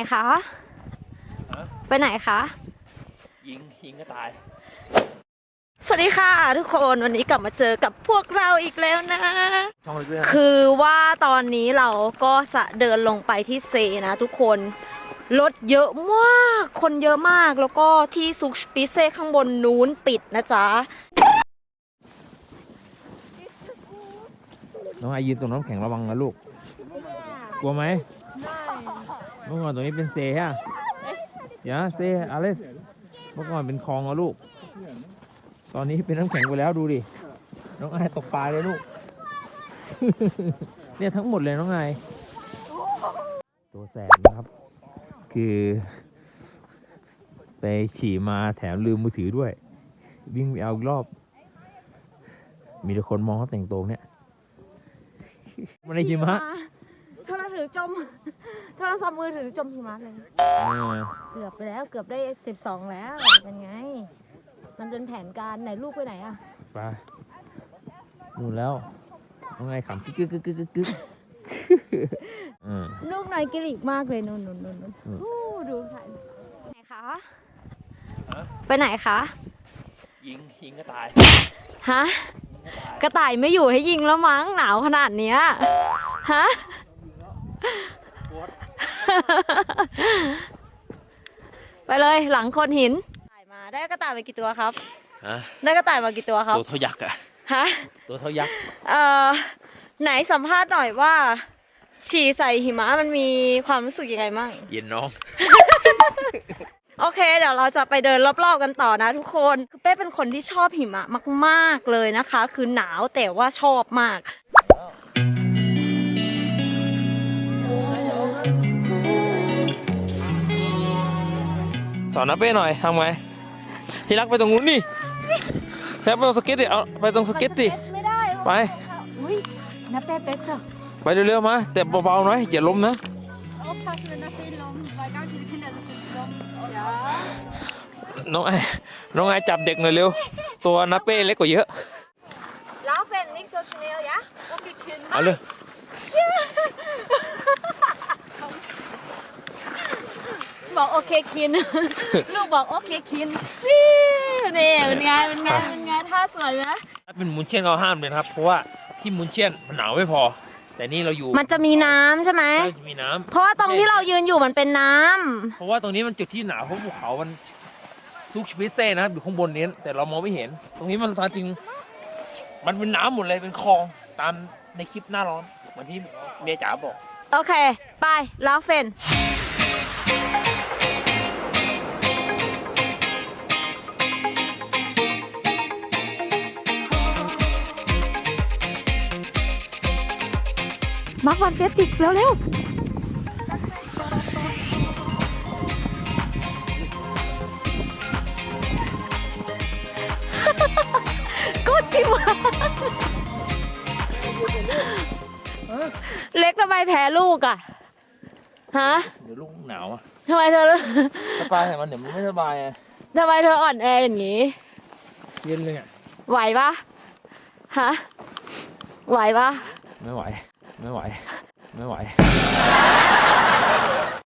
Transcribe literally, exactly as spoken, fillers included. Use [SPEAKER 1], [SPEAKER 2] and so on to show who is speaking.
[SPEAKER 1] คะไปไหนคะ
[SPEAKER 2] ยิงยิงก็ตาย
[SPEAKER 1] สวัสดีค่ะทุกคนวันนี้กลับมาเจอกับพวกเราอีกแล้วนะ
[SPEAKER 2] ค
[SPEAKER 1] คือว่าตอนนี้เราก็จะเดินลงไปที่เซนะทุกคนรถเยอะมากคนเยอะมากแล้วก็ที่ซุกปิเซ่ข้างบนนู้นปิดนะจ๊ะ
[SPEAKER 2] น้องไอยืนตรงน้ำแข็งระวังนะลูกกลัวไหมเมื่อก่อนตรงนี้เป็นเซฮะอย่าเซอะไรเมื่อก่อนเป็นคลองอะลูกตอนนี้เป็นน้ำแข็งไปแล้วดูดิน้องไอตกปลาเลยลูก เนี่ยทั้งหมดเลยน้องไอตัวแสบนะครับคือไปฉี่มาแถมลืมมือถือด้วยวิ่งไปเอาอีกรอบมีแต่คนมองเขาแต่งตัวเนี่ยมันในหิมะ
[SPEAKER 1] โทรศัพท์ถือจมโทรศัพท์มือถือจมหิมะเลยเกือบไปแล้วเกือบได้สิบสองแล้วเป็นไงมันเป็นแผนการไหนลูกไปไหนอะ
[SPEAKER 2] ไปนู่นแล้วน้องไงขำกึกกึกกึกกึกกึก
[SPEAKER 1] ลูกนายกิริกมากเลยนู่นนู่นนู่นนู่นดูถ่ายไหนคะไปไหนคะ
[SPEAKER 2] ยิงยิงก็ตาย
[SPEAKER 1] ฮะกระต่ายไม่อยู่ให้ยิงแล้วมั้งหนาวขนาดเนี้ยฮะไปเลยหลังโคนหินถ่ายมาได้กระต่ายไปกี่ตัวครับได้กระต่ายมากี่ตัวครับ
[SPEAKER 2] ตัวเท่ายักษ์อะ
[SPEAKER 1] ฮะ
[SPEAKER 2] ตัวเท่ายักษ์
[SPEAKER 1] เอ่อไหนสัมภาษณ์หน่อยว่าฉี่ใส่หิมะมันมีความรู้สึกยังไงมั่ง
[SPEAKER 2] เย็นน้อง
[SPEAKER 1] โอเคเดี๋ยวเราจะไปเดินรอบๆกันต่อนะทุกคนคือเป้เป็นคนที่ชอบหิมะมากๆเลยนะคะคือหนาวแต่ว่าชอบมาก
[SPEAKER 2] สอนน้าเป้หน่อยทำไงที่รักไปตรงนู้นนี่แล้วไปตรงสเก็ตดิเอาไปตรงสเก็ตดิไป
[SPEAKER 1] น้าเป้เป๊กจ้ะ
[SPEAKER 2] ไปเร็วๆมาแต่เบาๆหน่อยอย่าล้มนะน้องไอน้องไอจับเด็กหน่อยเร็วตัวน้าเป้เล็กกว่าเยอะ
[SPEAKER 1] แล้วเป็นนิกโซชเนลยะ
[SPEAKER 2] เอาเลย
[SPEAKER 1] บอกโอเคคินลูกบอกโอเคคินนี่เป็นไงเป็นไงเป็นไงท่าสวยไหม
[SPEAKER 2] ถ้าเป็นมุนเชียนเขาห้ามเลยครับเพราะว่าที่มุนเชียนมันหนาวไม่พอแต่นี่เราอยู่
[SPEAKER 1] มันจะมีน้ำใช่ไหม
[SPEAKER 2] จะมีน้ำ
[SPEAKER 1] เพราะว่าตรงที่เรายืนอยู่มันเป็นน้ำ
[SPEAKER 2] เพราะว่าตรงนี้มันจุดที่หนาวเพราะภูเขามันซุกชิเซ่นะครับอยู่ข้างบนนี้แต่เรามองไม่เห็นตรงนี้มันจริงมันเป็นน้ำหมดเลยเป็นคลองตามในคลิปหน้าร้อนเหมือนที่เมียจ๋าบอก
[SPEAKER 1] โอเคไปแล้วเฟนมาร์ควันเฟสติกเร็วๆก็ทิวเล็กทำไมแพ้ลูกอ่ะฮะ
[SPEAKER 2] เดี๋ยวลูกหนาวอ่ะ
[SPEAKER 1] ทำไมเธอ
[SPEAKER 2] สบายแต่มันเดี๋ยวมันไม่สบายอ่ะ
[SPEAKER 1] ทำไมเธออ่อนแออย่างนี้
[SPEAKER 2] เย็นเลยอ่ะ
[SPEAKER 1] ไหวปะฮะไหวปะ
[SPEAKER 2] ไม่ไหวไม่ไหวไม่ไหว